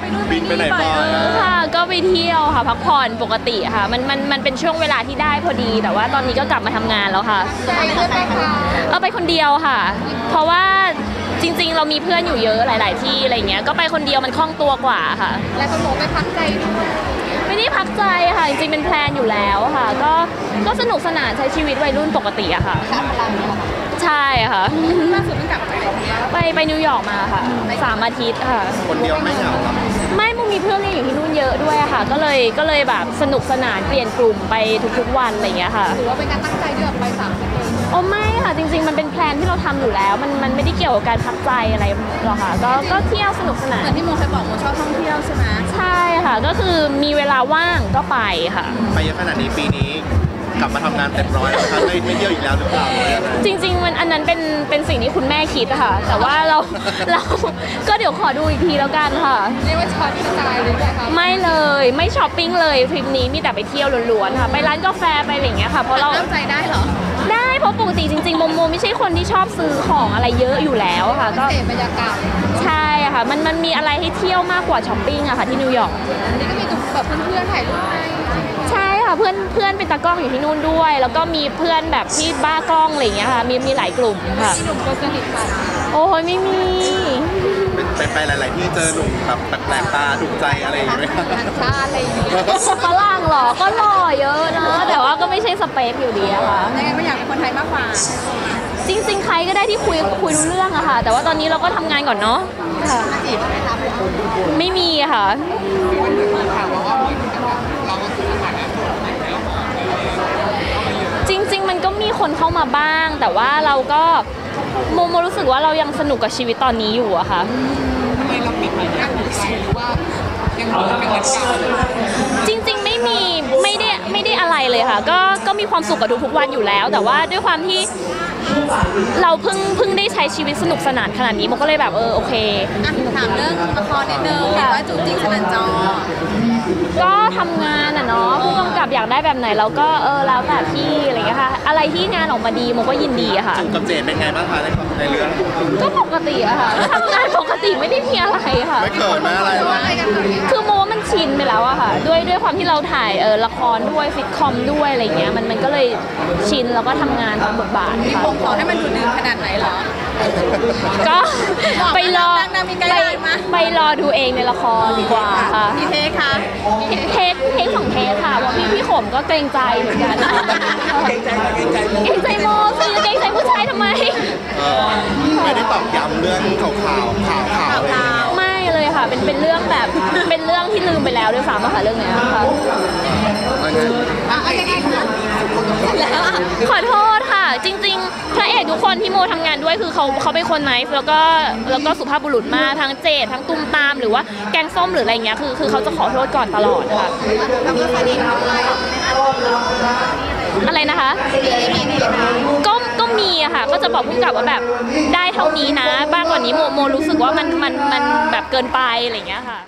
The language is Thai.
บินไปไหนบ่อยค่ะก็ไปเที่ยวค่ะพักผ่อนปกติค่ะมันเป็นช่วงเวลาที่ได้พอดีแต่ว่าตอนนี้ก็กลับมาทำงานแล้วค่ะไปเพื่อนไปค่ะไปคนเดียวค่ะเพราะว่าจริงๆเรามีเพื่อนอยู่เยอะหลายๆที่อะไรเงี้ยก็ไปคนเดียวมันคล่องตัวกว่าค่ะแล้วก็โมไปพักใจด้วยไม่ได้พักใจค่ะจริงๆเป็นแพลนอยู่แล้วค่ะก็สนุกสนานใช้ชีวิตวัยรุ่นปกติอะค่ะใช่ค่ะล่าสุดเพิ่งกลับมาจากไหนไปนิวยอร์กมาค่ะ3 อาทิตย์ค่ะคนเดียวไม่เหงาครับไม่มุมีเพื่อนเรียนอยู่ที่นู่นเยอะด้วยค่ะก็เลยแบบสนุกสนานเปลี่ยนกลุ่มไปทุกๆวันอะไรอย่างเงี้ยค่ะหรือว่าเป็นการตั้งใจที่แบบไป3 อาทิตย์โอ้ไม่ค่ะจริงๆมันเป็นแพลนที่เราทำอยู่แล้วมันไม่ได้เกี่ยวกับการพักใจอะไรหรอกค่ะก็เที่ยวสนุกสนานเหมือนที่โมเคยบอกโมชอบท่องเที่ยวใช่ไหมใช่ค่ะก็คือมีเวลาว่างก็ไปค่ะไปเยอะขนาดนี้ปีนี้กลับมาทำงานเต็มร้อยแล้วครับไม่เที่ยวอีกแล้วหรือเปล่าจริงๆมันอันนั้นเป็นสิ่งที่คุณแม่คิดค่ะแต่ว่าเราก็เดี๋ยวขอดูอีกทีแล้วกันค่ะเรียกว่าช็อตกระจายเลยค่ะไม่เลยไม่ช้อปปิ้งเลยทริปนี้มีแต่ไปเที่ยวล้วนๆค่ะไปร้านกาแฟไปอะไรอย่างเงี้ยค่ะเพราะเราตั้งใจได้เหรอได้เพราะปกติจริงๆโมไม่ใช่คนที่ชอบซื้อของอะไรเยอะอยู่แล้วค่ะก็เสพบรรยากาศใช่ค่ะมันมีอะไรให้เที่ยวมากกว่าช้อปปิ้งอะค่ะที่นิวยอร์กนี่ก็มีแบบเพื่อนๆถ่ายรูปให้ใช่ค่ะเพื่อนเป็นตากล้องอยู่ที่นู่นด้วยแล้วก็มีเพื่อนแบบที่บ้ากล้องอะไรอย่างเงี้ยค่ะมีหลายกลุ่มค่ะมีหนุ่มคนสนิทค่ะโอ้ยไม่มีไปหลายๆที่เจอหนุ่มแบบแปลกตาถูกใจอะไรอย่างเงี้ยชาอะไรอย่างเงี้ยฝรั่งหรอก็หล่อเยอะนะแต่ว่าก็ไม่ใช่สเปคอยู่ดีอะค่ะยังไงไม่อยากเป็นคนไทยมากกว่าจริงๆใครก็ได้ที่คุยรู้เรื่องอะค่ะแต่ว่าตอนนี้เราก็ทำงานก่อนเนาะค่ะไม่มีค่ะจริงๆมันก็มีคนเข้ามาบ้างแต่ว่าเราก็โมรู้สึกว่าเรายังสนุกกับชีวิตตอนนี้อยู่อะค่ะทำไมเราปิดมันยังอยู่หรือว่ายังเป็นเหมือนเก่าจริงๆไม่ได้อะไรเลยค่ะก็มีความสุขกับทุกๆวันอยู่แล้วแต่ว่าด้วยความที่เราเพิ่งได้ใช้ชีวิตสนุกสนานขนาดนี้มันก็เลยแบบโอเคถามเรื่องละครนิดนึงว่าจูบจริงสนั่นจอก็ทำงานอะเนาะผู้กำกับอยากได้แบบไหนเราก็แล้วแต่พี่อะไรอย่างเงี้ยค่ะอะไรที่งานออกมาดีโมก็ยินดีอะค่ะจูบกับเจดเป็นไงบ้างคะในเรื่องก็ปกติอะค่ะทำงานปกติไม่ได้มีอะไรค่ะไม่เกิดนะอะไรคือโมว่ามันชินไปแล้วอะค่ะด้วยความที่เราถ่ายละครด้วยซิทคอมด้วยอะไรเงี้ยมันก็เลยชินแล้วก็ทำงานตามบทบาทค่ะผมขอให้มันดูดื่มขนาดไหนเหรอก็ไปรอดูเองในละครดีกว่าค่ะกี่เทคคะเทค2 เทคค่ะว่าพี่ขมก็เกรงใจเหมือนกันเกรงใจโมสิเกรงใจผู้ชายทำไมไม่ได้ตอบย้ำเรื่องข่าวไม่เลยค่ะเป็นเรื่องแบบเป็นเรื่องที่ลืมไปแล้วด้วยซ้ำค่ะเรื่องนี้ค่ะขอโทษค่ะจริงๆพระเอกทุกคนที่โมทำงานด้วยคือเขาเป็นคนไนฟ์แล้วก็สุภาพบุรุษมากทั้งเจดทั้งตุ้มตามหรือว่าแกงส้มหรืออะไรเงี้ยคือเขาจะขอโทษก่อนตลอดค่ะอะไรนะคะก็มีอะค่ะก็จะบอกผู้กำกับว่าแบบได้เท่านี้นะบ้างกว่านี้โมรู้สึกว่ามันแบบเกินไปอะไรเงี้ยค่ะ